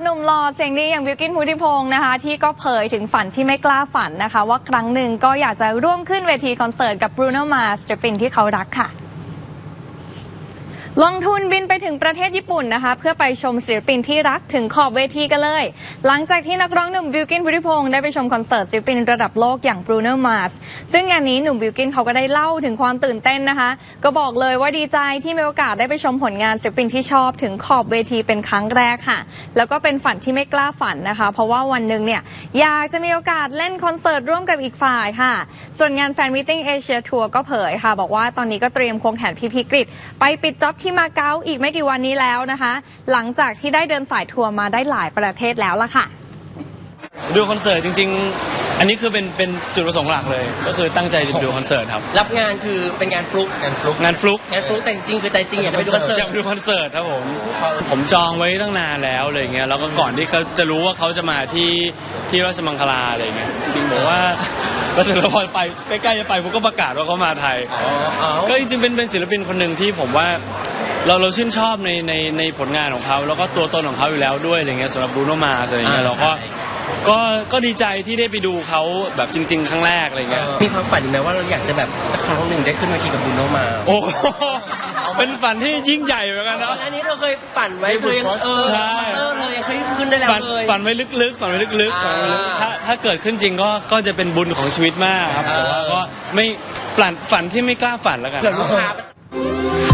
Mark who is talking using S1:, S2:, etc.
S1: นุ่มหล่อเสียงดีอย่างบิลกิ้นพุทธิพงศ์นะคะที่ก็เผยถึงฝันที่ไม่กล้าฝันนะคะว่าครั้งหนึ่งก็อยากจะร่วมขึ้นเวทีคอนเสิร์ตกับบรูโน มาร์สศิลปินที่เขารักค่ะลงทุนบินไปถึงประเทศญี่ปุ่นนะคะเพื่อไปชมศิลปินที่รักถึงขอบเวทีกันเลยหลังจากที่นักร้องหนุ่มบิลกิ้นพุทธิพงศ์ได้ไปชมคอนเสิร์ตศิลปินระดับโลกอย่างบรูโน มาร์สซึ่งงานนี้หนุ่มบิลกิ้นเขาก็ได้เล่าถึงความตื่นเต้นนะคะก็บอกเลยว่าดีใจที่มีโอกาสได้ไปชมผลงานศิลปินที่ชอบถึงขอบเวทีเป็นครั้งแรกค่ะแล้วก็เป็นฝันที่ไม่กล้าฝันนะคะเพราะว่าวันหนึ่งเนี่ยอยากจะมีโอกาสเล่นคอนเสิร์ตร่วมกับอีกฝ่ายค่ะส่วนงานแฟนมีตติ้งเอเชียทัวร์ก็เผยค่ะบอกว่าตอนนี้ก็เตรียมควงแขนพี่กฤษไปปิดจ็อบที่มาเก๊าอีกไม่กี่วันนี้แล้วนะคะหลังจากที่ได้เดินสายทัวร์มาได้หลายประเทศแล้วล่ะค่ะ
S2: ดูคอนเสิร์ตจริงๆอันนี้คือเป็นจุดประสงค์หลักเลยก็คือตั้งใจจะดูคอนเสิร์ตครับ
S3: รับงานคือเป็นงานฟลุกแต่จริงๆคือใจจริงอยากจะไปดูคอนเสิร์ต
S2: อยากดูคอนเสิร์ตครับผมจองไว้ตั้งนานแล้วอะไรเงี้ยแล้วก็ก่อนที่เขาจะรู้ว่าเขาจะมาที่ราชมังคลาอะไรเงี้ยจริงบอกว่าก็ถึงแล้วพอไปใกล้ๆจะไปผมก็ประกาศว่าเขามาไทยก็จริงๆเป็นศิลปินคนหนึ่งที่ผมว่าเราชื่นชอบในผลงานของเขาแล้วก็ตัวตนของเขาอยู่แล้วด้วยอะไรเงี้ยสำหรับบรูโน มาร์สอะไรเงี้ยเราก็ดีใจที่ได้ไปดูเขาแบบจริงๆครั้งแรกอะไรเงี้ย
S3: มีความฝันไหมว่าเราอยากจะแบบสักครั้งหนึ่งได้ขึ้นเวทีกับบรูโน มาร์ส
S2: โอ้เป็นฝันที่ยิ่งใหญ่เหมือนกันนะ
S3: อันนี้เราเคยฝันไว้เคยใช่เลยเคยขึ้นได้แล้วเลย
S2: ฝันไว้ลึกๆถ้าเกิดขึ้นจริงก็จะเป็นบุญของชีวิตมากครับแต่ว่าก็ไม่ฝันที่ไม่กล้าฝันแล้วกัน
S3: เผื่อลูกค้า